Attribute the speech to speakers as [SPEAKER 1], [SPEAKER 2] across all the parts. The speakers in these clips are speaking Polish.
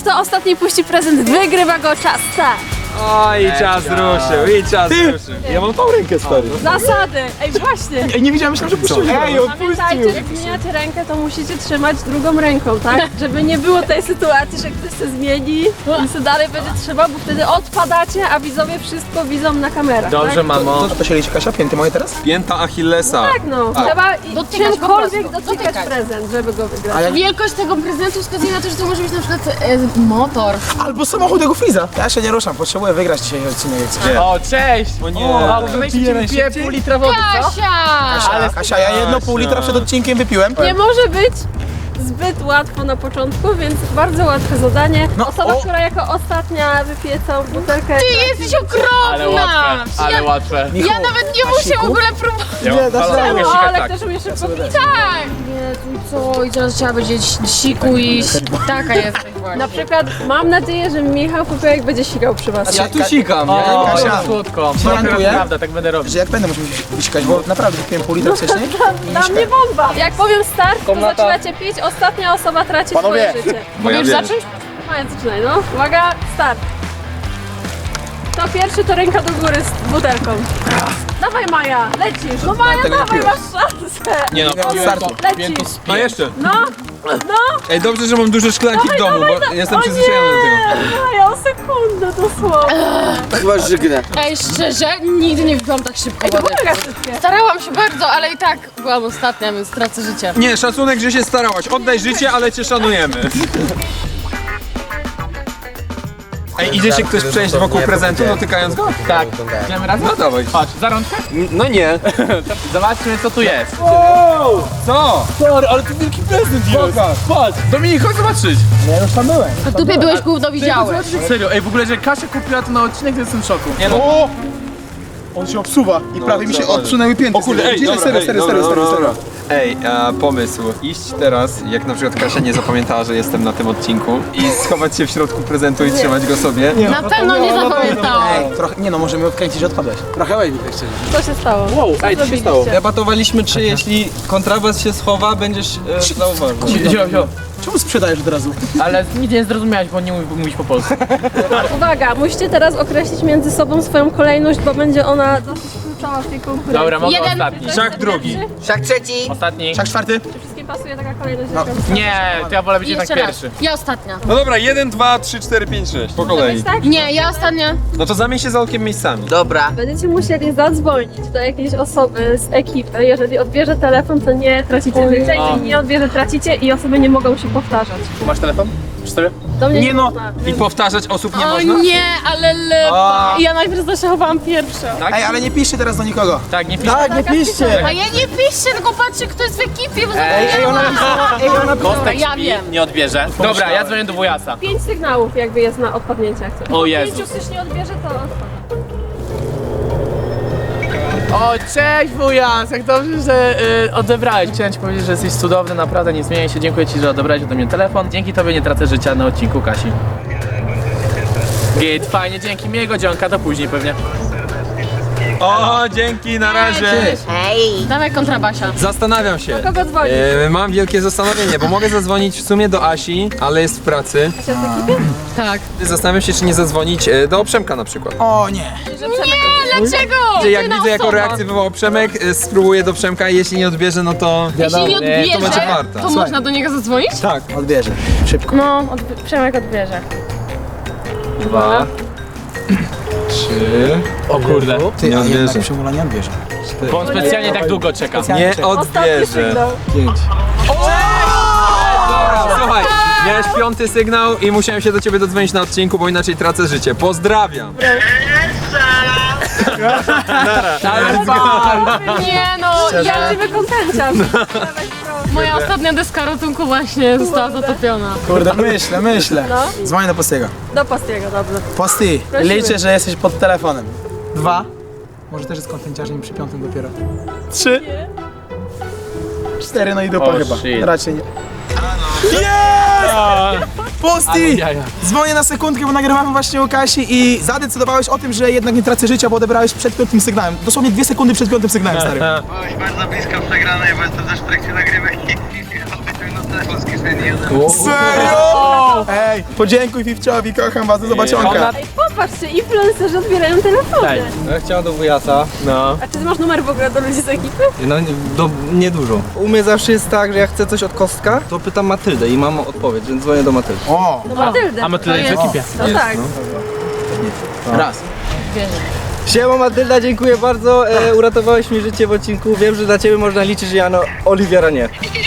[SPEAKER 1] Kto ostatni puści prezent, wygrywa go czas. Tak.
[SPEAKER 2] O, i czas ruszył, i czas ruszył.
[SPEAKER 3] Ja mam tą rękę, stary.
[SPEAKER 1] Zasady. Ej, właśnie.
[SPEAKER 3] Ej, nie widziałem, myślałem, że puściłeś. Ej,
[SPEAKER 1] Pamiętajcie, jak zmieniacie rękę, to musicie trzymać drugą ręką, tak? Żeby nie było tej sytuacji, że ktoś się zmieni i co dalej będzie trzeba, bo wtedy odpadacie, a widzowie wszystko widzą na kamerach.
[SPEAKER 2] Dobrze,
[SPEAKER 1] tak?
[SPEAKER 2] mamo.
[SPEAKER 3] To się liczy, Kasia? Pięty moje teraz?
[SPEAKER 2] Pięta Achillesa.
[SPEAKER 1] Tak, no. Trzeba
[SPEAKER 4] Dotykać
[SPEAKER 1] czymkolwiek
[SPEAKER 4] po prostu,
[SPEAKER 1] dotykać
[SPEAKER 4] dotykać.
[SPEAKER 1] prezent, żeby go wygrać.
[SPEAKER 3] A jak...
[SPEAKER 4] Wielkość tego prezentu wskazuje na to, że to może być na przykład motor.
[SPEAKER 3] Albo samochód jego Friza. Ja się nie ruszam, potrzebuję wygrać dzisiaj odcinek.
[SPEAKER 2] O, cześć! O nie. O,
[SPEAKER 3] piję
[SPEAKER 2] pół litra wody, co?
[SPEAKER 4] Kasia!
[SPEAKER 3] Kasia, ja jedno pół litra przed odcinkiem wypiłem.
[SPEAKER 1] Nie może być zbyt łatwo na początku, więc bardzo łatwe zadanie.
[SPEAKER 3] No,
[SPEAKER 1] Osoba,
[SPEAKER 3] o.
[SPEAKER 1] która jako ostatnia wypije całą butelkę.
[SPEAKER 4] Ty jesteś okropna!
[SPEAKER 2] Ale łatwe.
[SPEAKER 4] Ja nawet nie muszę w ogóle próbować.
[SPEAKER 3] Nie, dasz radę.
[SPEAKER 1] No, ale też umie szybko pić.
[SPEAKER 4] Tak! Jezu, co? I teraz trzeba będzie siku i taka jesteś właśnie.
[SPEAKER 1] Na przykład mam nadzieję, że Michał Popiołek będzie sikał przy was.
[SPEAKER 2] Ja tu sikam.
[SPEAKER 3] O,
[SPEAKER 2] Kasia. Słodko.
[SPEAKER 3] Gwarantuję,
[SPEAKER 2] Prawda, tak będę robić.
[SPEAKER 3] że jak będę musiał wysikać, bo naprawdę wypiłem pół litra wcześniej.
[SPEAKER 1] Dla mnie bomba! Jak powiem start, to zaczynacie pić, ostatnia osoba traci swoje życie.
[SPEAKER 2] Mogę już zacząć?
[SPEAKER 1] Maja, zaczynaj, no. Uwaga, start. Kto pierwszy, to ręka do góry z butelką. Dawaj Maja, lecisz. No Maja,
[SPEAKER 3] tego nie
[SPEAKER 1] dawaj,
[SPEAKER 3] piłem.
[SPEAKER 1] masz szansę.
[SPEAKER 2] Nie no,
[SPEAKER 3] Startu.
[SPEAKER 1] Lecisz.
[SPEAKER 2] no jeszcze.
[SPEAKER 1] No, no.
[SPEAKER 2] Ej, dobrze, że mam duże szklanki w domu, bo jestem
[SPEAKER 1] O
[SPEAKER 2] przyzwyczajony do tego.
[SPEAKER 1] nie, Maja, o sekundę dosłownie.
[SPEAKER 5] Chyba żygnę.
[SPEAKER 4] Ej, szczerze, nigdy nie wypiłam tak szybko
[SPEAKER 1] Ej, to
[SPEAKER 4] wody.
[SPEAKER 1] mega szybkie.
[SPEAKER 4] Starałam się bardzo, ale i tak byłam ostatnia, więc tracę życie.
[SPEAKER 2] Nie, szacunek, że się starałaś. Oddaj życie, ale cię szanujemy. Ej, idzie się ktoś przejść wokół prezentu, dotykając go? Tak. Idziemy razem? No dawaj. Patrz, za rączkę?
[SPEAKER 5] No nie.
[SPEAKER 2] Zobaczmy, co tu jest. Co?
[SPEAKER 3] Sorry, ale to wielki prezent jest.
[SPEAKER 2] Patrz, Dominik, chodź zobaczyć.
[SPEAKER 3] Ja już tam byłem.
[SPEAKER 4] A tu byłeś gówno widziałeś.
[SPEAKER 2] Serio, ej, w ogóle, że Kasia kupiła to na odcinek, to jestem w szoku. Nie no.
[SPEAKER 3] O! On się obsuwa i prawie mi się odsunęły pięty.
[SPEAKER 2] O kurde, ej,
[SPEAKER 3] Gdzie-
[SPEAKER 2] dobra,
[SPEAKER 3] serio,
[SPEAKER 2] ej,
[SPEAKER 3] serio,
[SPEAKER 2] dobra,
[SPEAKER 3] serio,
[SPEAKER 2] dobra,
[SPEAKER 3] serio,
[SPEAKER 2] dobra. Ej, pomysł. Iść teraz, jak na przykład Kasia nie zapamiętała, że jestem na tym odcinku i schować się w środku prezentu i trzymać go sobie.
[SPEAKER 4] Na pewno nie zapamiętałam.
[SPEAKER 3] Trochę, nie no, możemy odkręcić, że odpadłeś.
[SPEAKER 5] Trochę łaj mi tak szczerze.
[SPEAKER 1] Co się stało?
[SPEAKER 5] Wow, ej, co się stało?
[SPEAKER 6] Debatowaliśmy, czy jeśli kontrabas się schowa, będziesz zauważył.
[SPEAKER 3] Czemu sprzedajesz od razu?
[SPEAKER 2] Ale nic nie zrozumiałeś, bo nie mówisz po polsku.
[SPEAKER 1] Uwaga, musicie teraz określić między sobą swoją kolejność, bo będzie ona dosyć kluczowa w tej konkurencji.
[SPEAKER 2] Dobra, mogę
[SPEAKER 4] Jeden.
[SPEAKER 2] ostatni.
[SPEAKER 1] Szach drugi.
[SPEAKER 5] Szak trzeci.
[SPEAKER 2] Ostatni.
[SPEAKER 3] Szak czwarty?
[SPEAKER 1] Wszystkim pasuje taka kolejność?
[SPEAKER 3] No.
[SPEAKER 2] Nie, to ja wolę być jednak
[SPEAKER 4] Jeszcze raz.
[SPEAKER 2] pierwszy.
[SPEAKER 4] Ja ostatnia.
[SPEAKER 2] No dobra, 1, 2, 3, 4, 5, 6. Po kolei.
[SPEAKER 1] Tak?
[SPEAKER 4] Nie, ja ostatnia.
[SPEAKER 2] No to zamień się za okiem miejscami.
[SPEAKER 5] Dobra.
[SPEAKER 1] Będziecie musieli zadzwonić do jakiejś osoby z ekipy. Jeżeli odbierze telefon, to nie tracicie życia. Jeżeli nie odbierze, tracicie i osoby nie mogą się powtarzać.
[SPEAKER 2] Masz telefon? Przy sobie?
[SPEAKER 1] Do mnie
[SPEAKER 3] Nie no.
[SPEAKER 1] można.
[SPEAKER 2] I powtarzać osób nie
[SPEAKER 4] O
[SPEAKER 2] można?
[SPEAKER 4] nie, ale lepa. Ja najpierw zaszachowałam pierwsza.
[SPEAKER 2] Tak?
[SPEAKER 3] Ej, ale nie piszcie teraz do nikogo.
[SPEAKER 2] Tak, nie pisz.
[SPEAKER 3] Tak, nie piszcie.
[SPEAKER 4] A ja nie piszcie, tylko patrzcie, kto jest w ekipie, bo
[SPEAKER 3] Ej, ona pisała, ej, ona pisała.
[SPEAKER 2] Kostek
[SPEAKER 4] Ja
[SPEAKER 2] śpi,
[SPEAKER 4] wiem.
[SPEAKER 2] nie odbierze. Dobra, ja dzwonię do wujasa.
[SPEAKER 1] 5 sygnałów jakby jest na odpadnięcie. Jak chcesz.
[SPEAKER 2] O Jezus.
[SPEAKER 1] 5 ktoś nie odbierze, to odpada.
[SPEAKER 2] O, cześć wujas! Jak dobrze, że odebrałeś. Chciałem ci powiedzieć, że jesteś cudowny, naprawdę nie zmieniaj się. Dziękuję ci, że odebrałeś ode mnie telefon. Dzięki tobie nie tracę życia na odcinku Kasi. Git, fajnie, dzięki. Miłego dzionka, do później pewnie. O, dzięki, na razie.
[SPEAKER 4] Dawaj kontrabasia.
[SPEAKER 2] Zastanawiam się.
[SPEAKER 1] Kogo dzwonić?
[SPEAKER 2] Mam wielkie zastanowienie, bo mogę zadzwonić w sumie do Asi, ale jest w pracy.
[SPEAKER 1] Kasia w ekipie?
[SPEAKER 4] Tak.
[SPEAKER 2] Zastanawiam się, czy nie zadzwonić do Przemka na przykład.
[SPEAKER 3] O nie.
[SPEAKER 4] Nie, dlaczego?
[SPEAKER 2] Jak
[SPEAKER 4] Jedyna
[SPEAKER 2] widzę, jaką
[SPEAKER 4] osoba.
[SPEAKER 2] reakcję wywołał Przemek, spróbuję do Przemka i jeśli nie odbierze, no to...
[SPEAKER 4] Jeśli nie
[SPEAKER 2] to
[SPEAKER 4] odbierze,
[SPEAKER 2] będzie warta.
[SPEAKER 4] to można do niego zadzwonić?
[SPEAKER 2] Tak.
[SPEAKER 3] Odbierze. Szybko.
[SPEAKER 1] No, Przemek odbierze.
[SPEAKER 2] 2, 3. O kurde.
[SPEAKER 3] Ty,
[SPEAKER 2] Nie
[SPEAKER 3] a jednak
[SPEAKER 2] odbierze.
[SPEAKER 3] Przemula nie odbierze.
[SPEAKER 2] Bo on specjalnie tak długo czeka. Nie
[SPEAKER 1] Ostatni
[SPEAKER 2] odbierze.
[SPEAKER 1] sygnał.
[SPEAKER 2] Dobra, słuchaj, miałeś 5. sygnał i musiałem się do ciebie dodzwonić na odcinku, bo inaczej tracę życie. Pozdrawiam.
[SPEAKER 4] Nie no, ja,
[SPEAKER 1] Prawdziwy kontenciarz.
[SPEAKER 4] moja ostatnia deska ratunku właśnie została zatopiona.
[SPEAKER 3] Kurde, myślę.
[SPEAKER 1] No.
[SPEAKER 3] Dzwonię do Postiego.
[SPEAKER 1] Do Pastiego, dobrze.
[SPEAKER 3] Posty,
[SPEAKER 1] Prosimy.
[SPEAKER 3] liczę, że jesteś pod telefonem. 2. Może też jest kontenciarzem przy 5 dopiero. 3. 4, no i dupa
[SPEAKER 2] O,
[SPEAKER 3] chyba.
[SPEAKER 2] shit.
[SPEAKER 3] Raczej nie. Jest! Posty! Dzwonię na sekundkę, bo nagrywamy właśnie u Kasi i zadecydowałeś o tym, że jednak nie tracę życia, bo odebrałeś przed 5 sygnałem. Dosłownie 2 sekundy przed 5 sygnałem, stary.
[SPEAKER 7] Byłeś bardzo blisko przegranej, bo jestem też w trakcie nagrywek i
[SPEAKER 3] Serio? Ej, podziękuj Fifciowi, kocham was, do zobaczonka.
[SPEAKER 1] Ej, popatrzcie, influencerzy odbierają telefony.
[SPEAKER 6] Ja chciałem do wujasa.
[SPEAKER 2] No.
[SPEAKER 1] A ty masz numer w ogóle do ludzi z ekipy?
[SPEAKER 6] No niedużo. U mnie zawsze jest tak, że jak chcę coś od Kostka, to pytam Matyldę i mam odpowiedź, więc dzwonię do Matyldy.
[SPEAKER 3] O,
[SPEAKER 1] No Matyldę.
[SPEAKER 2] A my tyle jest w ekipie.
[SPEAKER 1] No tak.
[SPEAKER 2] Raz.
[SPEAKER 6] Siema Matylda, dziękuję bardzo, uratowałeś mi życie w odcinku. Wiem, że dla ciebie można liczyć, że ja no Oliwiera nie.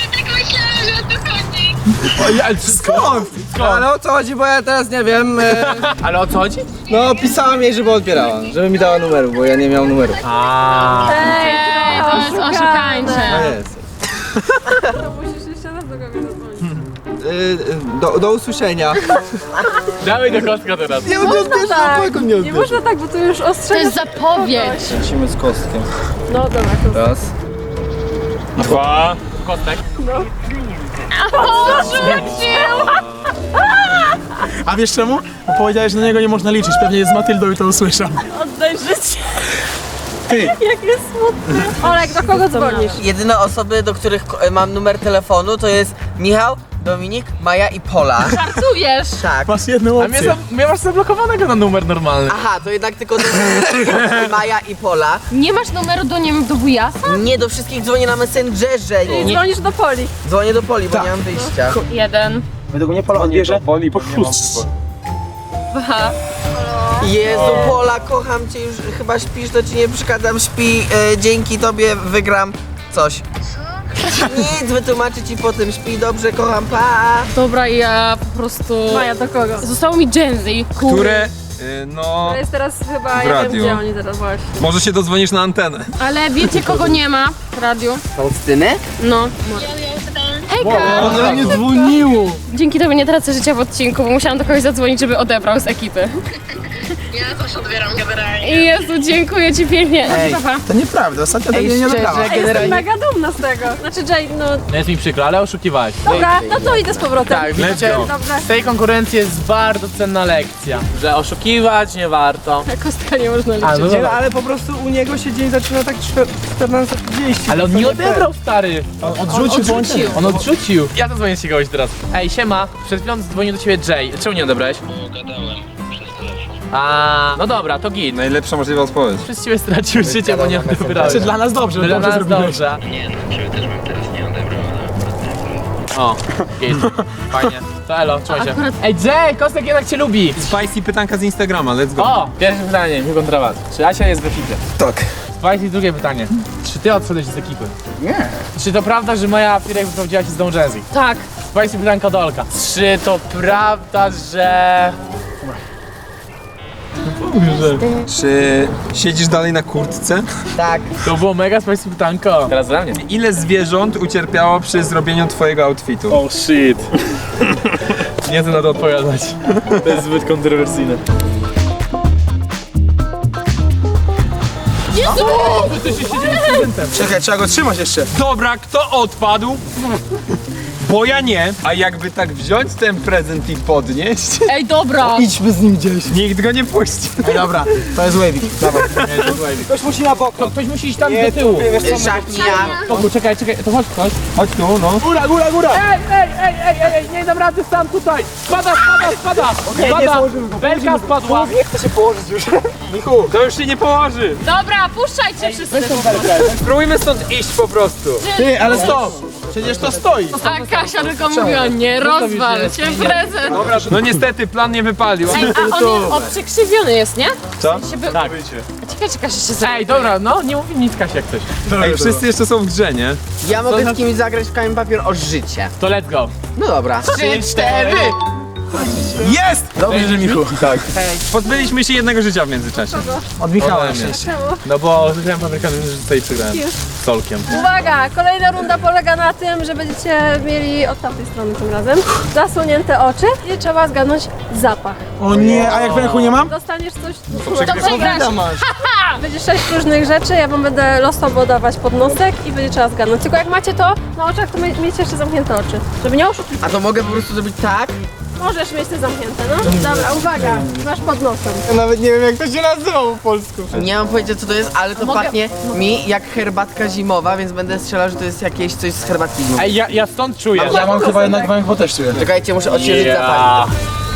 [SPEAKER 3] skąd?
[SPEAKER 6] Ale o co chodzi, bo ja teraz nie wiem.
[SPEAKER 2] Ale o co chodzi?
[SPEAKER 6] No pisałam jej, żeby odbierała, żeby mi dała numeru, bo ja nie miałem numeru.
[SPEAKER 1] Ej,
[SPEAKER 4] To jest oszukańcze.
[SPEAKER 6] No jest.
[SPEAKER 1] To musisz jeszcze raz do kogoś zadzwonić.
[SPEAKER 6] Do usłyszenia.
[SPEAKER 2] Dawaj do kostka teraz.
[SPEAKER 6] Nie
[SPEAKER 1] Można tak. Nie można tak, bo to już
[SPEAKER 4] To
[SPEAKER 1] ostrzega.
[SPEAKER 4] jest zapowiedź.
[SPEAKER 6] Lecimy z Kostkiem.
[SPEAKER 1] No dobra, to
[SPEAKER 6] Raz.
[SPEAKER 2] Dwa. Kostek.
[SPEAKER 3] A wiesz czemu? Bo powiedziałeś, że na niego nie można liczyć, pewnie jest z Matyldą i to usłyszał.
[SPEAKER 1] oddaj życie.
[SPEAKER 3] Ty,
[SPEAKER 1] Jak jest smutny. Olek, do kogo dzwonisz?
[SPEAKER 5] Jedyne osoby, do których mam numer telefonu, to jest Michał, Dominik, Maja i Pola.
[SPEAKER 4] Żartujesz.
[SPEAKER 5] Tak.
[SPEAKER 3] masz jedną
[SPEAKER 2] A mnie,
[SPEAKER 3] opcję.
[SPEAKER 2] mnie masz zablokowanego na numer normalny.
[SPEAKER 5] Aha, to jednak tylko do Maja i Pola.
[SPEAKER 4] Nie masz numeru do, nie wiem, do wujasa?
[SPEAKER 5] Nie, do wszystkich dzwonię na Messengerze.
[SPEAKER 1] I dzwonisz do Poli.
[SPEAKER 5] Dzwonię do Poli, bo nie mam wyjścia.
[SPEAKER 4] Jeden.
[SPEAKER 3] Według mnie Pola odbierze.
[SPEAKER 4] Dwa.
[SPEAKER 5] Jezu, Pola, kocham cię, już chyba śpisz, to ci nie przeszkadzam, śpi, dzięki tobie wygram coś. Nic, wytłumaczę ci potem, śpi dobrze, kocham, pa!
[SPEAKER 4] Dobra, ja po prostu...
[SPEAKER 1] Maja, do kogo?
[SPEAKER 4] Zostało mi Gen Z.
[SPEAKER 7] Które, no,
[SPEAKER 1] To jest teraz chyba,
[SPEAKER 7] W
[SPEAKER 1] ja wiem
[SPEAKER 7] radiu.
[SPEAKER 1] gdzie oni teraz właśnie.
[SPEAKER 7] może się dodzwonisz na antenę.
[SPEAKER 4] Ale wiecie kogo nie ma w radiu?
[SPEAKER 5] Faustyny?
[SPEAKER 4] No. Hejka!
[SPEAKER 3] Ona nie dzwoniło.
[SPEAKER 4] Dzięki tobie nie tracę życia w odcinku, bo musiałam do kogoś zadzwonić, żeby odebrał z ekipy.
[SPEAKER 8] Ja też odbieram generalnie.
[SPEAKER 4] Jezu, dziękuję ci pięknie.
[SPEAKER 3] Ej,
[SPEAKER 4] Pa.
[SPEAKER 3] to nieprawda, ostatnio tak nie nagrała.
[SPEAKER 1] Ej, jestem mega dumna z tego. Znaczy Jay, no
[SPEAKER 2] No jest mi przykro, ale oszukiwałeś.
[SPEAKER 1] dobra, no to idę z powrotem.
[SPEAKER 2] Tak, widzicie,
[SPEAKER 1] Dobrze.
[SPEAKER 2] z tej konkurencji jest bardzo cenna lekcja, że oszukiwać nie warto.
[SPEAKER 4] Kostka nie można liczyć.
[SPEAKER 2] A, no dobra.
[SPEAKER 6] Ale po prostu u niego się dzień zaczyna tak 14:30.
[SPEAKER 2] Ale on nie odebrał, stary.
[SPEAKER 3] Odrzucił.
[SPEAKER 2] On odrzucił. Ja zadzwonię ci kogoś teraz. Ej, siema. Przed chwilą dzwonił do ciebie Jay. Czemu nie odebrałeś?
[SPEAKER 8] Gadałem przez telefon.
[SPEAKER 2] A, no dobra, to git.
[SPEAKER 7] Najlepsza możliwa odpowiedź.
[SPEAKER 2] Przez ciebie stracił życie, bo nie odebrałeś.
[SPEAKER 3] Czy dla nas dobrze,
[SPEAKER 2] Dla
[SPEAKER 3] dobrze
[SPEAKER 2] nas
[SPEAKER 3] zrobiłeś.
[SPEAKER 2] dobrze.
[SPEAKER 8] Nie, no ciebie też bym teraz nie odebrał, ale...
[SPEAKER 2] O, git. Fajnie. To elo, trzymaj się. Ej, Jay, Kostek jednak cię lubi.
[SPEAKER 7] Spicy pytanka z Instagrama, let's go.
[SPEAKER 2] O, pierwsze pytanie, mi kontra was. Czy Asia jest w ekipie?
[SPEAKER 3] Tak.
[SPEAKER 2] Spicy, drugie pytanie. Czy ty odszedłeś z ekipy?
[SPEAKER 3] Nie.
[SPEAKER 2] Czy to prawda, że moja firma wyprowadziła się z Don Jazzy?
[SPEAKER 4] Tak.
[SPEAKER 2] Spicy pytanka do Olka. Czy to prawda, że...
[SPEAKER 7] Czy siedzisz dalej na kurtce?
[SPEAKER 5] Tak.
[SPEAKER 2] To było mega spicy pytanko. Teraz dla mnie.
[SPEAKER 7] Ile zwierząt ucierpiało przy zrobieniu twojego outfitu?
[SPEAKER 2] Oh shit. Nie chcę na to odpowiadać. To jest zbyt kontrowersyjne.
[SPEAKER 3] Czekaj, trzeba go trzymać jeszcze.
[SPEAKER 7] Dobra, kto odpadł? Bo ja nie. A jakby tak wziąć ten prezent i podnieść,
[SPEAKER 4] Ej, dobra.
[SPEAKER 3] Idźmy z nim gdzieś.
[SPEAKER 7] nikt go nie puści.
[SPEAKER 3] Ej, dobra, to jest Wavy. Dawaj.
[SPEAKER 6] Ktoś musi na bok.
[SPEAKER 2] To ktoś musi iść tam do tyłu.
[SPEAKER 5] Szachni ja.
[SPEAKER 2] Toku, czekaj, to chodź.
[SPEAKER 7] Chodź tu, no.
[SPEAKER 3] Góra, góra, góra.
[SPEAKER 2] Ej, nie dam rady sam tutaj. Spada. Belka spadła.
[SPEAKER 3] Nie chcę się położyć już.
[SPEAKER 7] Michu, to już się nie położy.
[SPEAKER 4] Dobra, puszczajcie wszyscy.
[SPEAKER 7] Spróbujmy stąd iść po prostu.
[SPEAKER 3] Ty, ale stop. Przecież to stoi.
[SPEAKER 4] A Kasia tylko mówiła, nie rozwal się prezent.
[SPEAKER 7] Dobra, no niestety plan nie wypalił.
[SPEAKER 4] Ej, a on przekrzywiony jest, nie?
[SPEAKER 7] Co?
[SPEAKER 2] Tak.
[SPEAKER 4] Ciekawe, czy Kasia się
[SPEAKER 2] Ej, dobra, no nie mów nic Kasia jak coś.
[SPEAKER 7] Ej, wszyscy jeszcze są w grze, nie?
[SPEAKER 5] Ja mogę z kimś zagrać w kamień papier o życie.
[SPEAKER 2] To let's go.
[SPEAKER 5] No dobra.
[SPEAKER 2] 3, 4.
[SPEAKER 3] Jest! Dobrze, że Michu.
[SPEAKER 7] Tak. Pozbyliśmy się jednego życia w międzyczasie.
[SPEAKER 3] Od Michała
[SPEAKER 7] Ode
[SPEAKER 3] na
[SPEAKER 7] mnie.
[SPEAKER 3] szczęście.
[SPEAKER 2] No bo zagrałem paprykanem, że tutaj przegrałem. Z Solkiem.
[SPEAKER 1] Uwaga, kolejna runda polega na tym, że będziecie mieli od tamtej strony tym razem zasłonięte oczy i trzeba zgadnąć zapach.
[SPEAKER 3] O nie, a jak w ręku nie mam?
[SPEAKER 1] Dostaniesz coś,
[SPEAKER 4] To przegrasz.
[SPEAKER 1] będzie 6 różnych rzeczy, ja wam będę losowo dawać pod nosek i będzie trzeba zgadnąć. Tylko jak macie to na oczach, to miejcie jeszcze zamknięte oczy, żeby nie oszukiwać.
[SPEAKER 5] A to mogę po prostu zrobić tak
[SPEAKER 1] Możesz mieć te zamknięte, no. Dobra, uwaga, masz pod nosem.
[SPEAKER 6] Ja nawet nie wiem jak to się nazywa po polsku.
[SPEAKER 5] Nie mam pojęcia co to jest, ale to pachnie mi jak herbatka zimowa, więc będę strzelał, że to jest jakieś coś z herbatki zimowej.
[SPEAKER 7] Ej, ja stąd czuję.
[SPEAKER 3] Ja mam chyba jednak węch też czuję.
[SPEAKER 5] Czekajcie, muszę odświeżyć zapach.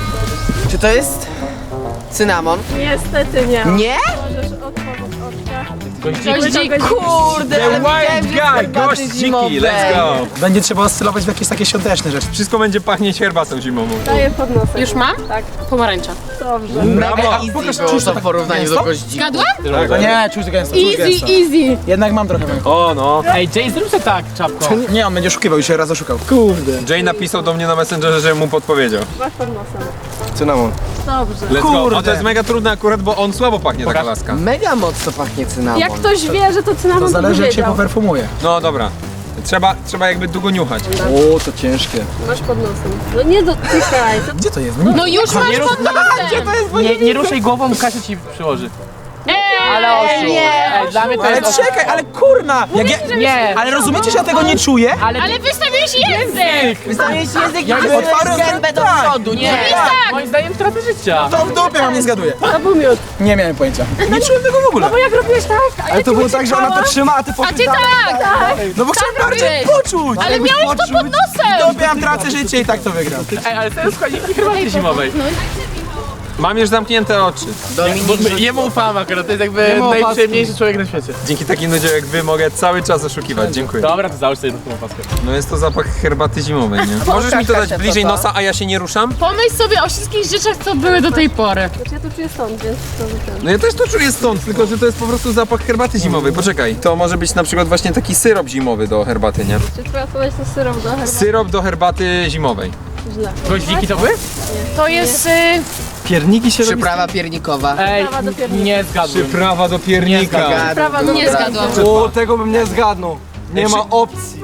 [SPEAKER 5] Czy to jest cynamon?
[SPEAKER 1] Niestety nie.
[SPEAKER 5] Nie?
[SPEAKER 1] Możesz otworzyć oczka.
[SPEAKER 4] Goździk.
[SPEAKER 5] Kurde,
[SPEAKER 7] The
[SPEAKER 5] ale widziałem,
[SPEAKER 7] Wild
[SPEAKER 5] że
[SPEAKER 7] Guy,
[SPEAKER 5] herbaty
[SPEAKER 7] gościki,
[SPEAKER 5] zimowe.
[SPEAKER 7] let's go.
[SPEAKER 3] Będzie trzeba oscylować w jakieś takie świąteczne rzeczy.
[SPEAKER 7] Wszystko będzie pachnieć herbatą zimową.
[SPEAKER 1] Daję pod nosem.
[SPEAKER 4] Już mam?
[SPEAKER 1] Tak.
[SPEAKER 4] Pomarańcza.
[SPEAKER 1] Dobrze.
[SPEAKER 5] Mega
[SPEAKER 7] Brawo.
[SPEAKER 5] easy
[SPEAKER 3] Pokaż,
[SPEAKER 5] było
[SPEAKER 3] czuć
[SPEAKER 5] to
[SPEAKER 3] to
[SPEAKER 5] w porównaniu do
[SPEAKER 3] tak
[SPEAKER 5] goździka.
[SPEAKER 4] Zgadłam?
[SPEAKER 3] No nie, czuć gęsto, czuć gęsto.
[SPEAKER 4] Easy.
[SPEAKER 3] Jednak mam trochę węchu.
[SPEAKER 7] O no.
[SPEAKER 2] Ej, Jay, zrób sobie tak, czapką.
[SPEAKER 3] Nie, on będzie oszukiwał, już się raz oszukał.
[SPEAKER 7] Jay napisał do mnie na Messengerze, że mu podpowiedział.
[SPEAKER 1] Masz pod nosem.
[SPEAKER 6] Cynamon.
[SPEAKER 1] Dobrze.
[SPEAKER 7] Let's go.
[SPEAKER 3] Kurde.
[SPEAKER 7] A to jest mega trudne akurat, bo on słabo pachnie, taka laska.
[SPEAKER 5] Mega mocno pachnie cynamon.
[SPEAKER 1] Jak ktoś wie, że to cynamon,
[SPEAKER 3] To zależy
[SPEAKER 1] by
[SPEAKER 3] jak się
[SPEAKER 1] wiedział.
[SPEAKER 3] poperfumuje.
[SPEAKER 7] No dobra. Trzeba jakby długo niuchać.
[SPEAKER 6] O, to ciężkie.
[SPEAKER 1] Masz pod nosem. No nie dotykaj. To...
[SPEAKER 3] Gdzie to jest?
[SPEAKER 4] No już masz pod nosem.
[SPEAKER 2] Nie ruszaj głową, Kasia ci przyłoży.
[SPEAKER 1] Ale
[SPEAKER 2] Ej, dla mnie to
[SPEAKER 3] Ale
[SPEAKER 2] jest...
[SPEAKER 3] czekaj, ale kurna! Jak ja...
[SPEAKER 2] Nie,
[SPEAKER 3] Ale rozumiecie, że ja tego nie czuję?
[SPEAKER 2] ale
[SPEAKER 4] wystawiłeś język!
[SPEAKER 5] Wystawiłeś język i
[SPEAKER 3] Jakby
[SPEAKER 5] wysunąłeś
[SPEAKER 3] otwarłem
[SPEAKER 5] gębę do
[SPEAKER 3] tak.
[SPEAKER 5] przodu, nie?
[SPEAKER 2] moim zdaniem tracę życia.
[SPEAKER 3] To w dupie mam, nie zgaduję.
[SPEAKER 1] to był miód.
[SPEAKER 3] Nie miałem pojęcia. Nie czułem tego w ogóle.
[SPEAKER 1] Bo jak robiłeś tak, a
[SPEAKER 3] Ale to było tak, że ona to trzyma, a ty
[SPEAKER 4] A
[SPEAKER 3] poszedł
[SPEAKER 4] ty
[SPEAKER 3] dalej.
[SPEAKER 4] tak!
[SPEAKER 3] No bo chciałem bardziej
[SPEAKER 4] robiłeś.
[SPEAKER 3] poczuć.
[SPEAKER 4] Ale miałeś to pod nosem!
[SPEAKER 3] Dupie mam tracę życie i tak to wygram.
[SPEAKER 2] Ej, ale to jest składniki herbaty zimowej.
[SPEAKER 7] Mam już zamknięte oczy.
[SPEAKER 2] Jemu ufam akurat, to jest jakby najprzyjemniejszy człowiek na świecie.
[SPEAKER 7] Dzięki takim ludziom jak wy mogę cały czas oszukiwać. Dziękuję.
[SPEAKER 2] Dobra, to załóż sobie tą opaskę.
[SPEAKER 7] No jest to zapach herbaty zimowej, nie? Możesz mi to dać
[SPEAKER 5] Kasia,
[SPEAKER 7] bliżej
[SPEAKER 5] co to?
[SPEAKER 7] nosa, a ja się nie ruszam?
[SPEAKER 4] Pomyśl sobie o wszystkich rzeczach, co były do tej pory.
[SPEAKER 1] Znaczy ja to czuję stąd, więc to wytem.
[SPEAKER 7] No ja też to czuję stąd, tylko że to jest po prostu zapach herbaty zimowej. Poczekaj, to może być na przykład właśnie taki syrop zimowy do herbaty, nie?
[SPEAKER 1] Czy twoja odpowiedź to syrop do herbaty?
[SPEAKER 7] Syrop do herbaty zimowej.
[SPEAKER 1] Źle.
[SPEAKER 2] Goździki to były?
[SPEAKER 4] To jest...
[SPEAKER 6] Pierniki się robi.
[SPEAKER 5] Przyprawa piernikowa.
[SPEAKER 2] Ej,
[SPEAKER 1] Prawa do piernika.
[SPEAKER 2] nie zgadłem.
[SPEAKER 7] Przyprawa do piernika.
[SPEAKER 1] Prawa do
[SPEAKER 4] Nie zgadłam.
[SPEAKER 6] O, tego bym nie zgadnął. Nie ma opcji.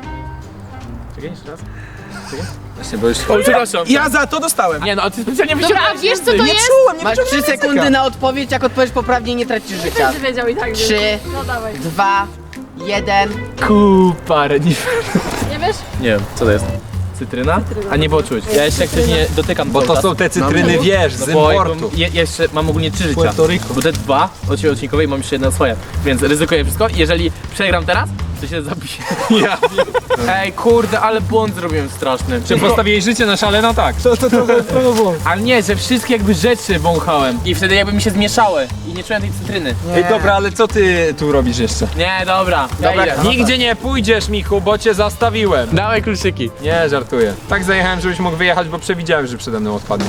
[SPEAKER 2] Czekaj, jeszcze raz.
[SPEAKER 7] Właśnie, bo już...
[SPEAKER 2] O, przepraszam.
[SPEAKER 3] Ja za to dostałem.
[SPEAKER 2] Nie no, a ty specjalnie
[SPEAKER 4] Dobra, a
[SPEAKER 2] wyciągnąłeś
[SPEAKER 4] wiesz co to
[SPEAKER 2] język.
[SPEAKER 4] jest?
[SPEAKER 3] Czułem, nie
[SPEAKER 5] Masz
[SPEAKER 3] wyczułem
[SPEAKER 5] 3
[SPEAKER 3] języka.
[SPEAKER 5] sekundy na odpowiedź, jak odpowiesz poprawnie nie tracisz życia.
[SPEAKER 1] Będzie wiedział i tak. więc-
[SPEAKER 5] 3,
[SPEAKER 1] No dawaj.
[SPEAKER 5] 2, 1.
[SPEAKER 2] Kupar, nie...
[SPEAKER 1] Nie wiesz?
[SPEAKER 2] Nie wiem, co to jest? Cytryna? A nie było czuć. Ja jeszcze jak coś nie dotykam
[SPEAKER 7] Bo to
[SPEAKER 2] cały
[SPEAKER 7] są
[SPEAKER 2] czas.
[SPEAKER 7] te cytryny, wiesz, z
[SPEAKER 2] Bo
[SPEAKER 7] importu.
[SPEAKER 2] jeszcze mam ogólnie 3 życia.
[SPEAKER 6] Puerto Rico.
[SPEAKER 2] Bo te 2 od siebie odcinkowe i mam jeszcze jedno swoje. Więc ryzykuję wszystko. Jeżeli przegram teraz, to się zabiję.
[SPEAKER 7] Ja.
[SPEAKER 2] Ej, kurde, ale błąd zrobiłem straszny.
[SPEAKER 7] Czy postawiłeś życie na szale? No tak.
[SPEAKER 6] To trochę było.
[SPEAKER 2] Ale nie, że wszystkie jakby rzeczy wąchałem. I wtedy jakby mi się zmieszały. I nie czułem tej cytryny.
[SPEAKER 7] Ej, dobra, ale co ty tu robisz jeszcze?
[SPEAKER 2] Nie, dobra.
[SPEAKER 5] Dobra,
[SPEAKER 2] ja idę.
[SPEAKER 7] Nigdzie nie pójdziesz, Michu, bo cię zastawiłem.
[SPEAKER 2] Dawaj kluczyki.
[SPEAKER 7] Nie, żartuję. Tak zajechałem, żebyś mógł wyjechać, bo przewidziałem, że przede mną odpadnie.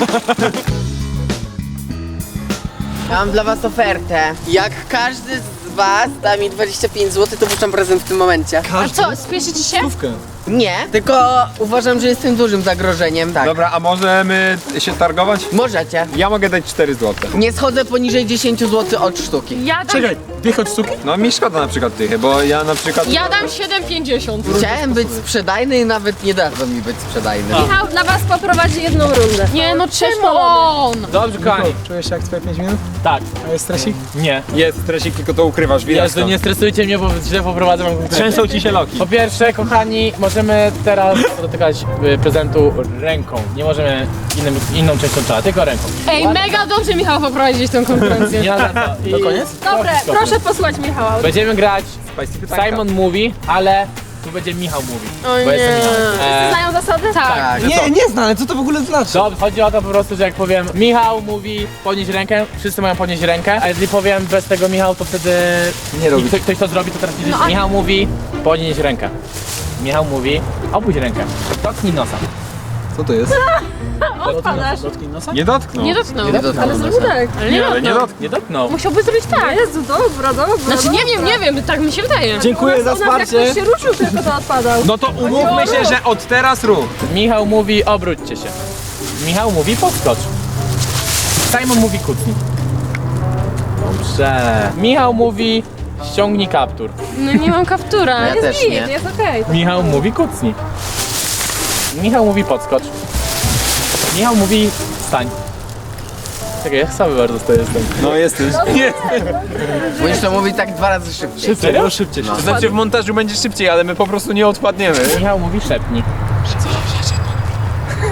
[SPEAKER 5] Mam dla was ofertę. Jak każdy z was da mi 25 zł, to puszczam prezent w tym momencie.
[SPEAKER 4] A co, spieszy ci się?
[SPEAKER 5] Nie, tylko uważam, że jestem dużym zagrożeniem. Tak.
[SPEAKER 7] Dobra, a możemy się targować?
[SPEAKER 5] Możecie.
[SPEAKER 7] Ja mogę dać 4 zł.
[SPEAKER 5] Nie schodzę poniżej 10 zł od sztuki.
[SPEAKER 4] Ja dam,
[SPEAKER 3] Czekaj, dwie choć sztuki?
[SPEAKER 7] No mi szkoda na przykład tych, bo ja na przykład...
[SPEAKER 4] ja dam 7,50.
[SPEAKER 5] Chciałem być sprzedajny i nawet nie dadzą mi być sprzedajny.
[SPEAKER 1] Michał dla was poprowadzi jedną rundę.
[SPEAKER 4] Nie no, czemu on?
[SPEAKER 2] Dobrze, kochani.
[SPEAKER 3] Czujesz się jak twoje 5 minut?
[SPEAKER 2] Tak.
[SPEAKER 3] A jest stresik?
[SPEAKER 2] Nie.
[SPEAKER 7] Jest stresik, tylko to ukrywasz, widać
[SPEAKER 2] Jezu,
[SPEAKER 7] to.
[SPEAKER 2] nie stresujcie mnie, bo źle poprowadzę wam konkretnie.
[SPEAKER 7] Trzęsą ci się loki.
[SPEAKER 2] Po pierwsze, kochani, możemy teraz dotykać prezentu ręką. Nie możemy inną częścią ciała, tylko ręką.
[SPEAKER 4] Ej, mega dobrze Michał poprowadzić tą konkurencję.
[SPEAKER 2] Nie na to. I...
[SPEAKER 3] To koniec?
[SPEAKER 1] Dobre, proszę posłuchać Michała.
[SPEAKER 2] Będziemy grać
[SPEAKER 7] Spicy pytanka.
[SPEAKER 2] Simon Mówi, ale tu będzie Michał Mówi.
[SPEAKER 4] O
[SPEAKER 2] Bo jestem
[SPEAKER 4] nie.
[SPEAKER 2] Michał.
[SPEAKER 1] Wszyscy znają zasady?
[SPEAKER 4] Tak.
[SPEAKER 3] Nie znam, ale co to w ogóle znaczy?
[SPEAKER 2] Dobrze, chodzi o to po prostu, że jak powiem Michał mówi podnieść rękę, wszyscy mają podnieść rękę, a jeżeli powiem bez tego Michał, to wtedy
[SPEAKER 7] Nie robić.
[SPEAKER 2] ktoś to zrobi, to teraz widzisz, Michał mówi podnieść rękę. Michał mówi opuść rękę. Dotknij nosa.
[SPEAKER 7] Co to jest?
[SPEAKER 1] Odpadasz.
[SPEAKER 3] Dotknij nosa?
[SPEAKER 7] Nie dotknął.
[SPEAKER 4] Nie dotknął.
[SPEAKER 1] Ale zrób tak.
[SPEAKER 4] Ale nie
[SPEAKER 7] Ale nie
[SPEAKER 4] dotknął.
[SPEAKER 7] dotknął.
[SPEAKER 2] Nie dotknął.
[SPEAKER 4] Musiałby zrobić tak.
[SPEAKER 1] Jezu, dobra, dobra.
[SPEAKER 4] Znaczy nie wiem, tak mi się wydaje.
[SPEAKER 3] Dziękuję za
[SPEAKER 1] Jak
[SPEAKER 3] wsparcie.
[SPEAKER 1] ktoś się ruszył, tylko to odpadał.
[SPEAKER 7] No to umówmy się, że od teraz rób.
[SPEAKER 2] Michał mówi obróćcie się. Michał mówi podskocz. Simon mówi kucnij. Dobrze. Michał mówi ściągnij kaptur.
[SPEAKER 4] No nie mam kaptura.
[SPEAKER 5] Ja też nie.
[SPEAKER 1] Jest okej.
[SPEAKER 2] Michał mówi kucnij. Michał mówi podskocz. Michał mówi stań. Czekaj, ja słaby bardzo to jestem.
[SPEAKER 7] No jesteś.
[SPEAKER 5] Musisz to mówić tak 2 razy szybciej.
[SPEAKER 2] Serio?
[SPEAKER 7] Szybciej. To znaczy w montażu będzie szybciej, ale my po prostu nie odpadniemy.
[SPEAKER 2] Michał mówi szepnij.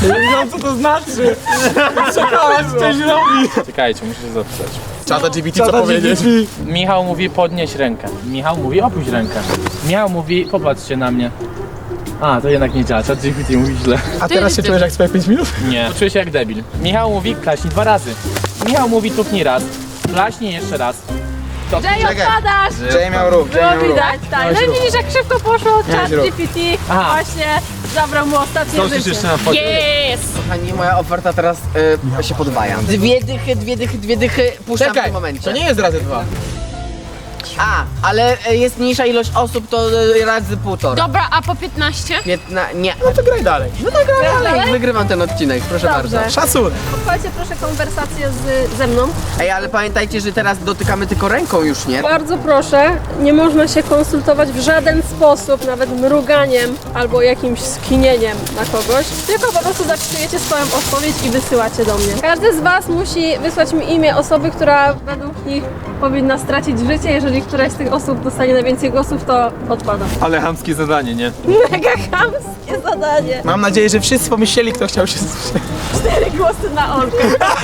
[SPEAKER 7] wiem co to znaczy. Czekałem, coś robi.
[SPEAKER 2] Czekajcie, muszę się zapisać.
[SPEAKER 3] Czata GPT, co powiedzieć?
[SPEAKER 2] Michał mówi podnieś rękę. Michał mówi opuść rękę. Michał mówi popatrzcie na mnie. A, to jednak nie działa, ChatGPT mówi źle.
[SPEAKER 3] A teraz się czujesz jak swoje 5 minut?
[SPEAKER 2] Nie, czuję się jak debil. Michał mówi klaśnij 2 razy. Michał mówi tupnij raz. Klaśnij jeszcze raz.
[SPEAKER 1] Jay, odpadasz!
[SPEAKER 3] Jay miał ruch,
[SPEAKER 1] Było widać, tak. No i widzisz, jak szybko poszło, chat
[SPEAKER 3] rób.
[SPEAKER 1] GPT
[SPEAKER 2] Aha.
[SPEAKER 1] właśnie zabrał mu ostatnie
[SPEAKER 7] Zdążysz
[SPEAKER 1] życie.
[SPEAKER 7] jeszcze na fotel.
[SPEAKER 4] Jest!
[SPEAKER 5] Kochani, moja oferta teraz się podwaja. Dwie dychy puszczam w
[SPEAKER 3] Czekaj,
[SPEAKER 5] tym momencie.
[SPEAKER 3] to nie jest razy 2.
[SPEAKER 5] A, ale jest mniejsza ilość osób, to razy 1,5.
[SPEAKER 4] Dobra, a po 15?
[SPEAKER 5] Nie.
[SPEAKER 3] No to graj dalej.
[SPEAKER 5] Ale wygrywam ten odcinek, proszę
[SPEAKER 1] Dobrze.
[SPEAKER 5] bardzo.
[SPEAKER 3] Szacunek.
[SPEAKER 1] Pochwalcie proszę konwersację ze mną.
[SPEAKER 5] Ej, ale pamiętajcie, że teraz dotykamy tylko ręką już, nie?
[SPEAKER 1] Bardzo proszę, nie można się konsultować w żaden sposób, nawet mruganiem albo jakimś skinieniem na kogoś, tylko po prostu zapisujecie swoją odpowiedź i wysyłacie do mnie. Każdy z Was musi wysłać mi imię osoby, która według nich powinna stracić życie. Jeżeli któraś z tych osób dostanie najwięcej głosów, to odpada.
[SPEAKER 7] Ale chamskie zadanie, nie?
[SPEAKER 1] Mega chamskie zadanie.
[SPEAKER 3] Mam nadzieję, że wszyscy pomyśleli, kto chciał się słyszeć.
[SPEAKER 1] 4 głosy na Olkę.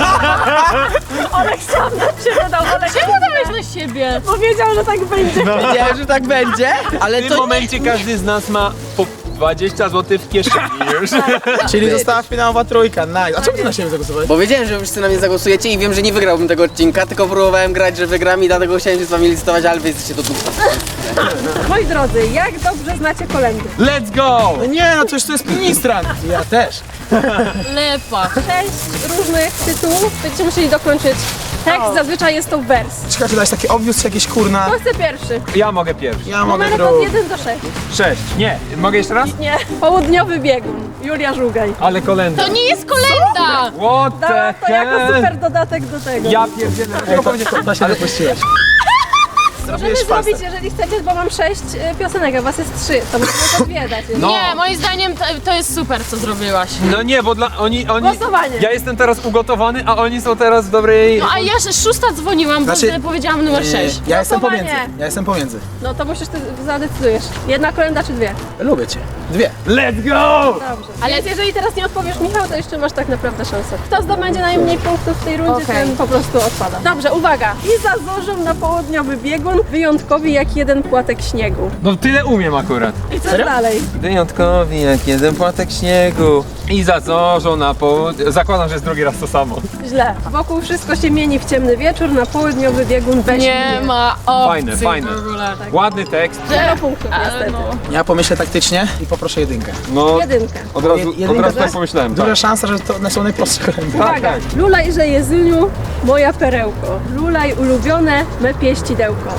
[SPEAKER 1] Olek sam na Ciebie dał. Olek
[SPEAKER 4] Czemu dałeś na siebie?
[SPEAKER 1] powiedział, że tak będzie.
[SPEAKER 5] Wiedziałem, że tak będzie, ale
[SPEAKER 7] W tym
[SPEAKER 5] to
[SPEAKER 7] momencie każdy z nas ma po 20 zł w kieszeni już.
[SPEAKER 3] Czyli została finałowa trójka, nice. A czemu ty na siebie zagłosowałeś?
[SPEAKER 5] Bo wiedziałem, że wszyscy na mnie zagłosujecie i wiem, że nie wygrałbym tego odcinka, tylko próbowałem grać, że wygram i dlatego chciałem się z wami licytować, ale wy jesteście do dupy.
[SPEAKER 1] Moi drodzy, jak dobrze znacie kolędy?
[SPEAKER 7] Let's go!
[SPEAKER 3] No nie, no coś to jest ministrant. Ja też.
[SPEAKER 4] Lepa.
[SPEAKER 1] 6 różnych tytułów, będziecie musieli dokończyć tekst, zazwyczaj jest to wers.
[SPEAKER 3] Czekaj, czy dać takie obvious, jakieś kurna.
[SPEAKER 1] Kto chce pierwszy?
[SPEAKER 7] Ja mogę pierwszy.
[SPEAKER 3] Ja mogę
[SPEAKER 1] Numer od
[SPEAKER 3] drugi.
[SPEAKER 1] 1 do 6.
[SPEAKER 7] 6. Nie, mogę jeszcze raz?
[SPEAKER 1] Nie. Południowy biegun. Julia Żugaj.
[SPEAKER 7] Ale kolenda.
[SPEAKER 4] To nie jest kolenda!
[SPEAKER 7] What
[SPEAKER 1] Dałam
[SPEAKER 7] the
[SPEAKER 1] to jako
[SPEAKER 7] hell?
[SPEAKER 1] super dodatek do tego.
[SPEAKER 7] Ja pierdzielę.
[SPEAKER 3] To się wypuściłeś.
[SPEAKER 1] Możemy zrobić, jeżeli chcecie, bo mam 6 piosenek, a was jest 3. To możemy to dwie dać.
[SPEAKER 7] No.
[SPEAKER 4] Nie, moim zdaniem to jest super, co zrobiłaś.
[SPEAKER 7] No nie, bo dla oni...
[SPEAKER 1] Głosowanie.
[SPEAKER 7] Ja jestem teraz ugotowany, a oni są teraz w dobrej...
[SPEAKER 4] No a ja 6 dzwoniłam, bo
[SPEAKER 3] Znaczy-
[SPEAKER 4] powiedziałam numer 6.
[SPEAKER 3] Ja jestem
[SPEAKER 1] Głosowanie.
[SPEAKER 3] pomiędzy. Ja jestem pomiędzy.
[SPEAKER 1] No to musisz, ty zadecydujesz. Jedna kolenda czy 2?
[SPEAKER 3] Lubię cię. 2.
[SPEAKER 7] Let's go!
[SPEAKER 1] Dobrze. Ale więc jeżeli teraz nie odpowiesz Michał, to jeszcze masz tak naprawdę szansę. Kto zdobędzie najmniej punktów w tej rundzie,
[SPEAKER 4] Okej.
[SPEAKER 1] ten po prostu odpada. Dobrze, uwaga. I zazorzą na południowy biegun, wyjątkowi jak jeden płatek śniegu.
[SPEAKER 7] No tyle umiem akurat.
[SPEAKER 1] I co dalej?
[SPEAKER 7] Wyjątkowi jak jeden płatek śniegu. I zazorzą na południe. Zakładam, że jest drugi raz to samo.
[SPEAKER 1] Źle. Wokół wszystko się mieni w ciemny wieczór, na południowy biegun weź
[SPEAKER 4] Nie
[SPEAKER 1] mnie.
[SPEAKER 4] ma opcji
[SPEAKER 7] Fajne, fajne.
[SPEAKER 4] w ogóle.
[SPEAKER 7] Ładny tekst.
[SPEAKER 1] 0 punktów niestety.
[SPEAKER 3] Ja pomyślę taktycznie i poproszę jedynkę.
[SPEAKER 7] No,
[SPEAKER 1] Jedynkę.
[SPEAKER 7] od razu,
[SPEAKER 3] Jedynka
[SPEAKER 7] od razu
[SPEAKER 3] to
[SPEAKER 7] tak
[SPEAKER 3] jest
[SPEAKER 7] pomyślałem.
[SPEAKER 3] Duża
[SPEAKER 7] Tak.
[SPEAKER 3] szansa, że to są najprostsze kolendy.
[SPEAKER 1] Uwaga.
[SPEAKER 7] tak.
[SPEAKER 1] Lulaj, że Jezyniu, moja perełko. Lulaj ulubione, me pieścidełko.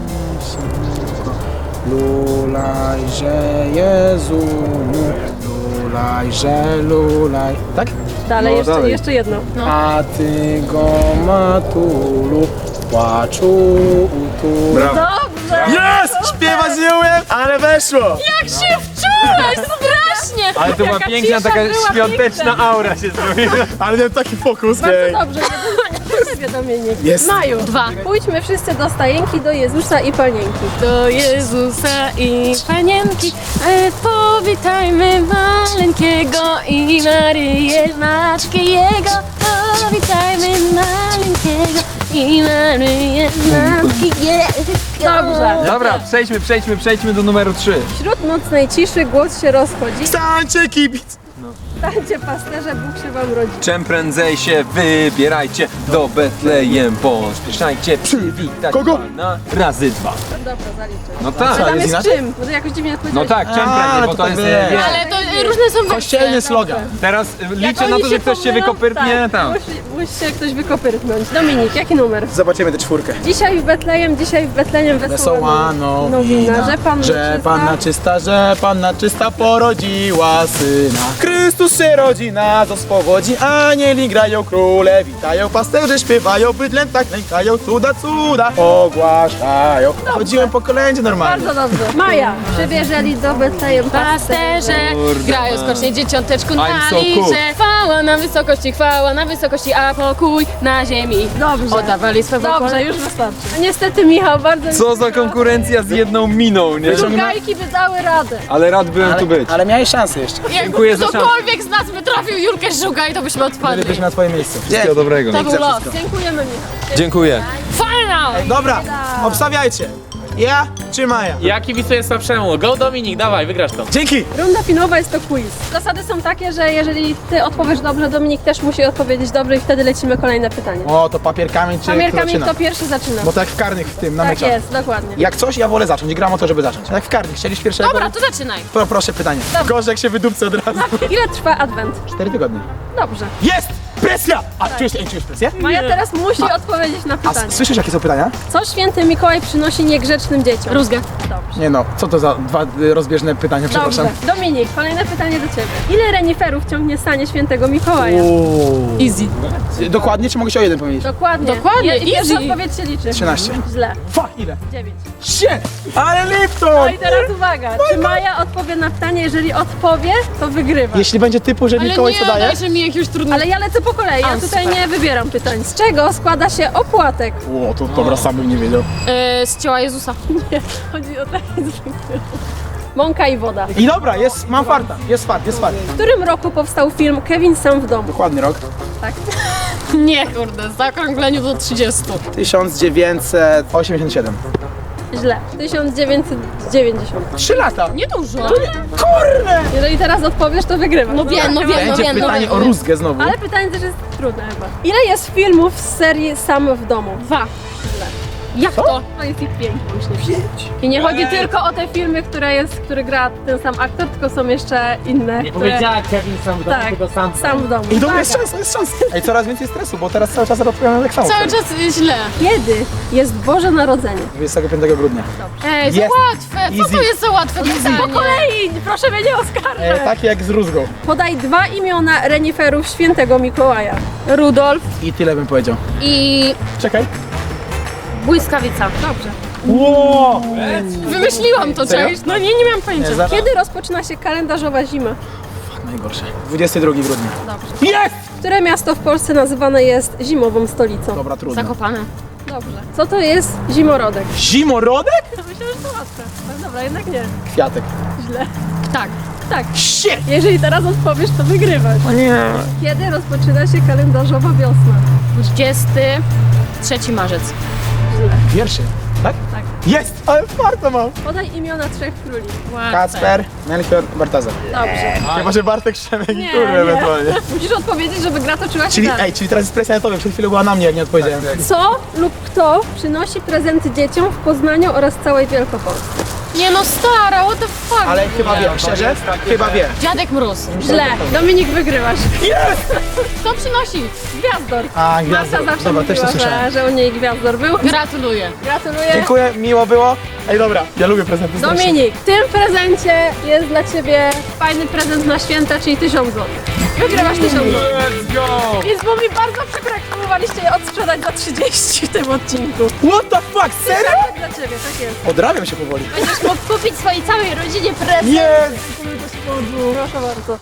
[SPEAKER 3] Lulajże Jezu, lulajże lulaj. Tak?
[SPEAKER 1] Dalej,
[SPEAKER 7] No, dalej.
[SPEAKER 1] jeszcze jedno.
[SPEAKER 3] A ty go matulu, płaczu tu.
[SPEAKER 7] Brawo.
[SPEAKER 1] Dobrze!
[SPEAKER 3] Jest! Śpiewać nie umiem, ale weszło!
[SPEAKER 4] Jak się wczułeś, strasznie!
[SPEAKER 7] Ale to była
[SPEAKER 1] Jaka
[SPEAKER 7] piękna,
[SPEAKER 1] cisza
[SPEAKER 7] taka
[SPEAKER 1] była,
[SPEAKER 7] świąteczna
[SPEAKER 1] piękna.
[SPEAKER 7] aura się zrobiła.
[SPEAKER 3] Ale miałem taki fokus.
[SPEAKER 1] Bardzo dobrze, jeden powiadomienie.
[SPEAKER 3] Jest.
[SPEAKER 1] Maju.
[SPEAKER 4] 2.
[SPEAKER 1] Pójdźmy wszyscy do stajenki, do Jezusa i Panienki.
[SPEAKER 4] Do Jezusa i Panienki, powitajmy maleńkiego i Maryję, matkę Jego. Powitajmy maleńkiego i Maryję, matkę Jego.
[SPEAKER 1] Dobrze.
[SPEAKER 7] Dobra, przejdźmy do numeru 3.
[SPEAKER 1] Wśród nocnej ciszy głos się rozchodzi.
[SPEAKER 3] Stańcie kibic!
[SPEAKER 1] Stańcie pasterze, Bóg się wam rodzi.
[SPEAKER 7] Czym prędzej się wybierajcie do Betlejem, pośpieszajcie przywitać
[SPEAKER 3] Kogo?
[SPEAKER 7] Pana razy 2.
[SPEAKER 1] Dobra, zaliczę.
[SPEAKER 7] No tak,
[SPEAKER 1] Tam
[SPEAKER 3] jest
[SPEAKER 1] jest
[SPEAKER 3] inaczej?
[SPEAKER 1] czym? Bo to jakoś dziwnie
[SPEAKER 7] no
[SPEAKER 1] odpowiedziałeś.
[SPEAKER 7] tak, czym
[SPEAKER 3] A,
[SPEAKER 7] prędzej, bo
[SPEAKER 3] to
[SPEAKER 7] to
[SPEAKER 3] tak
[SPEAKER 7] jest...
[SPEAKER 3] wie.
[SPEAKER 7] wiesz,
[SPEAKER 4] Ale to różne są wersje.
[SPEAKER 3] Kościelny slogan.
[SPEAKER 7] Teraz liczę na
[SPEAKER 1] oni
[SPEAKER 7] to, że ktoś się
[SPEAKER 1] pomylą,
[SPEAKER 7] wykopyrpnie
[SPEAKER 1] tak,
[SPEAKER 7] tam.
[SPEAKER 1] Musi się ktoś wykopyrtnąć. Dominik, jaki numer?
[SPEAKER 3] Zobaczymy tę czwórkę.
[SPEAKER 1] Dzisiaj w Betlejem wesoła
[SPEAKER 3] Wesoła
[SPEAKER 1] nowina, że
[SPEAKER 3] Panna czysta, że Panna czysta porodziła syna. Chrystus się rodzi, nas spowodzi, anieli grają, króle witają, pasterze śpiewają, bydlęta tak lękają, cuda, cuda ogłaszają. Chodziłem po kolędzie normalnie.
[SPEAKER 1] Bardzo dobrze. Maja, przybierzeli do Betlejem
[SPEAKER 4] Pasterze
[SPEAKER 7] Kurde,
[SPEAKER 4] grają
[SPEAKER 7] man.
[SPEAKER 4] skocznie dzieciąteczku
[SPEAKER 7] I'm
[SPEAKER 4] na
[SPEAKER 7] so cool.
[SPEAKER 4] liże. Chwała na wysokości, a pokój na ziemi.
[SPEAKER 1] Dobrze.
[SPEAKER 4] Oddawali swe
[SPEAKER 1] Dobrze, już wystarczy. Niestety Michał, bardzo mi
[SPEAKER 7] Co za
[SPEAKER 1] przykro.
[SPEAKER 7] konkurencja z jedną miną, nie?
[SPEAKER 1] Szukajki by dały radę.
[SPEAKER 7] Ale rad byłem tu być.
[SPEAKER 3] Ale miałeś szansę jeszcze.
[SPEAKER 7] Dziękuję za szansę.
[SPEAKER 4] Ktokolwiek którykolwiek z nas by trafił Julkę Żuga i to byśmy odpadli.
[SPEAKER 3] Jesteśmy na twoim miejscu.
[SPEAKER 6] Wszystkiego dobrego.
[SPEAKER 4] To był los.
[SPEAKER 1] Dziękujemy, Michał.
[SPEAKER 6] Dziękuję.
[SPEAKER 4] Fajna!
[SPEAKER 3] Dobra, obstawiajcie. Ja czy Maja?
[SPEAKER 2] Ja kibicuję słabszemu. Go Dominik, dawaj, wygrasz to.
[SPEAKER 3] Dzięki!
[SPEAKER 1] Runda finałowa jest to quiz. Zasady są takie, że jeżeli ty odpowiesz dobrze, Dominik też musi odpowiedzieć dobrze i wtedy lecimy kolejne pytanie.
[SPEAKER 3] O, to papier, kamień czy
[SPEAKER 1] Papier,
[SPEAKER 3] kto
[SPEAKER 1] kamień,
[SPEAKER 3] zaczyna?
[SPEAKER 1] kto pierwszy zaczyna.
[SPEAKER 3] Bo tak w karnych w tym, na
[SPEAKER 1] Tak
[SPEAKER 3] meczach.
[SPEAKER 1] jest, dokładnie.
[SPEAKER 3] Jak coś, ja wolę zacząć. Gram o to, żeby zacząć. Jak w karnych. Chcieliś pierwszego?
[SPEAKER 4] Dobra, to zaczynaj.
[SPEAKER 3] Proszę pytanie. Gorzej jak się wydupcy od razu.
[SPEAKER 1] Ile trwa adwent?
[SPEAKER 3] 4 tygodnie.
[SPEAKER 1] Dobrze.
[SPEAKER 3] Jest! Presja! A czujesz presję?
[SPEAKER 1] Maja teraz musi odpowiedzieć na
[SPEAKER 3] A
[SPEAKER 1] pytanie.
[SPEAKER 3] słyszysz jakie są pytania?
[SPEAKER 1] Co święty Mikołaj przynosi niegrzecznym dzieciom?
[SPEAKER 4] Rózgę.
[SPEAKER 1] Dobrze.
[SPEAKER 3] Nie no, co to za dwa rozbieżne pytania, przepraszam.
[SPEAKER 1] Dobrze. Dominik, kolejne pytanie do ciebie. Ile reniferów ciągnie sanie świętego Mikołaja?
[SPEAKER 4] Easy.
[SPEAKER 3] Dokładnie, czy mogę się o jeden powiedzieć?
[SPEAKER 1] Dokładnie.
[SPEAKER 4] Dokładnie,
[SPEAKER 1] I pierwsza
[SPEAKER 4] easy.
[SPEAKER 1] odpowiedź się liczy.
[SPEAKER 3] 13.
[SPEAKER 1] Źle.
[SPEAKER 3] Fuck, ile?
[SPEAKER 1] 9.
[SPEAKER 3] Shit! Ale
[SPEAKER 1] No
[SPEAKER 3] Lipton!
[SPEAKER 1] i teraz uwaga, czy Maja odpowie na pytanie? Jeżeli odpowie, to wygrywa.
[SPEAKER 3] Jeśli będzie typu, że
[SPEAKER 4] Ale
[SPEAKER 3] Mikołaj
[SPEAKER 4] nie,
[SPEAKER 3] co daje?
[SPEAKER 4] dajże mi jakiegoś trudnego.
[SPEAKER 1] Ale ja lecę po kolei, ja tutaj
[SPEAKER 4] super.
[SPEAKER 1] nie wybieram pytań. Z czego składa się opłatek?
[SPEAKER 3] O, to dobra, sam bym nie wiedział.
[SPEAKER 4] Z ciała Jezusa.
[SPEAKER 1] Nie, chodzi o takie zwykłe. Mąka i woda.
[SPEAKER 3] I dobra, jest, mam farta, jest fart.
[SPEAKER 1] W którym roku powstał film Kevin sam w domu?
[SPEAKER 3] Dokładny rok.
[SPEAKER 1] Tak.
[SPEAKER 4] Nie, kurde, w zaokrągleniu do 30.
[SPEAKER 3] 1987.
[SPEAKER 1] Źle. 1990.
[SPEAKER 3] 3 lata!
[SPEAKER 4] Niedużo.
[SPEAKER 3] Kurde!
[SPEAKER 1] Jeżeli teraz odpowiesz, to wygrywasz.
[SPEAKER 4] No wiem, no wiem, no
[SPEAKER 3] Będzie
[SPEAKER 4] wiem.
[SPEAKER 3] pytanie
[SPEAKER 4] no
[SPEAKER 3] o
[SPEAKER 4] wiem.
[SPEAKER 3] rózgę znowu.
[SPEAKER 1] Ale pytanie też jest trudne chyba. Ile jest filmów z serii Sam w domu?
[SPEAKER 4] 2. Jak to?
[SPEAKER 1] To jest ich 5 łącznie. I nie chodzi tylko o te filmy, które gra ten sam aktor, tylko są jeszcze inne.
[SPEAKER 2] Kevin sam w domu,
[SPEAKER 1] Tak,
[SPEAKER 2] tylko sam.
[SPEAKER 1] Sam w domu.
[SPEAKER 3] I dobra, jest szansa. Ej, coraz więcej stresu, bo teraz cały czas odpowiadam tak samo.
[SPEAKER 4] Cały czas źle.
[SPEAKER 1] Kiedy jest Boże Narodzenie?
[SPEAKER 3] 25 grudnia.
[SPEAKER 4] Ej, za
[SPEAKER 3] Jest.
[SPEAKER 4] łatwe. Co
[SPEAKER 3] Easy.
[SPEAKER 4] to jest za łatwe pytanie?
[SPEAKER 1] Po kolei! Proszę mnie nie oskarżać!
[SPEAKER 3] Takie jak z rózgą.
[SPEAKER 1] Podaj 2 imiona reniferów świętego Mikołaja. Rudolf
[SPEAKER 3] I tyle bym powiedział.
[SPEAKER 4] I
[SPEAKER 3] Czekaj.
[SPEAKER 4] błyskawica.
[SPEAKER 1] Dobrze.
[SPEAKER 3] Ło!
[SPEAKER 4] Wymyśliłam to,
[SPEAKER 3] Serio?
[SPEAKER 4] cześć. No nie miałam pojęcia.
[SPEAKER 3] Nie, za...
[SPEAKER 1] Kiedy rozpoczyna się kalendarzowa zima?
[SPEAKER 3] Najgorsze. 22 grudnia.
[SPEAKER 1] Dobrze.
[SPEAKER 3] Jest!
[SPEAKER 1] Które miasto w Polsce nazywane jest zimową stolicą?
[SPEAKER 3] Dobra, trudno.
[SPEAKER 4] Zakopane.
[SPEAKER 1] Dobrze. Co to jest zimorodek?
[SPEAKER 3] Zimorodek?
[SPEAKER 1] Myślę, że to łatwe. No dobra, jednak nie.
[SPEAKER 3] Kwiatek.
[SPEAKER 1] Źle.
[SPEAKER 4] Tak.
[SPEAKER 1] Tak.
[SPEAKER 3] Shit!
[SPEAKER 1] Jeżeli teraz odpowiesz, to wygrywasz.
[SPEAKER 3] O nie.
[SPEAKER 1] Kiedy rozpoczyna się kalendarzowa wiosna?
[SPEAKER 4] 23 marzec.
[SPEAKER 1] Źle.
[SPEAKER 3] Pierwszy, tak?
[SPEAKER 1] Tak.
[SPEAKER 3] Jest! Ale farta mam.
[SPEAKER 1] Podaj imiona 3 króli.
[SPEAKER 3] Kacper, Melchior, Bartazar.
[SPEAKER 1] Dobrze.
[SPEAKER 3] Chyba, że Bartek, Szemek i
[SPEAKER 1] Nie,
[SPEAKER 3] Kurwa
[SPEAKER 1] nie.
[SPEAKER 3] ewentualnie.
[SPEAKER 1] Musisz odpowiedzieć, żeby gra toczyła się
[SPEAKER 3] Czyli,
[SPEAKER 1] dalej.
[SPEAKER 3] czyli teraz jest presja na tobie. Przed chwilą była na mnie, jak nie odpowiedziałem.
[SPEAKER 1] Co lub kto przynosi prezenty dzieciom w Poznaniu oraz całej Wielkopolsce?
[SPEAKER 4] Nie no, stara, what the fuck?
[SPEAKER 3] Ale chyba wie, szczerze? Chyba wie.
[SPEAKER 4] Dziadek Mróz.
[SPEAKER 1] Źle. Dominik, wygrywasz.
[SPEAKER 4] Kto przynosi?
[SPEAKER 1] Gwiazdor.
[SPEAKER 3] A,
[SPEAKER 1] Marta
[SPEAKER 3] gwiazda.
[SPEAKER 1] zawsze
[SPEAKER 3] Dobra, też to
[SPEAKER 1] mówiła,
[SPEAKER 3] słyszałem.
[SPEAKER 1] że u niej Gwiazdor był.
[SPEAKER 4] Gratuluję.
[SPEAKER 1] Gratuluję.
[SPEAKER 3] Dziękuję, miło było. Ej, dobra, ja lubię prezenty strasznie.
[SPEAKER 1] Dominik, w tym prezencie jest dla Ciebie fajny prezent na święta, czyli 1000 zł. Wygrywasz 1000 zł.
[SPEAKER 7] Let's go!
[SPEAKER 1] Więc było mi bardzo przykro, jak próbowaliście je odsprzedać za 30 w tym odcinku.
[SPEAKER 3] What the fuck, serio?
[SPEAKER 1] Tak dla Ciebie, tak jest.
[SPEAKER 3] Odrabiam się powoli.
[SPEAKER 4] Będziesz mógł kupić swojej całej rodzinie prezent.
[SPEAKER 3] Jest!
[SPEAKER 1] Proszę bardzo.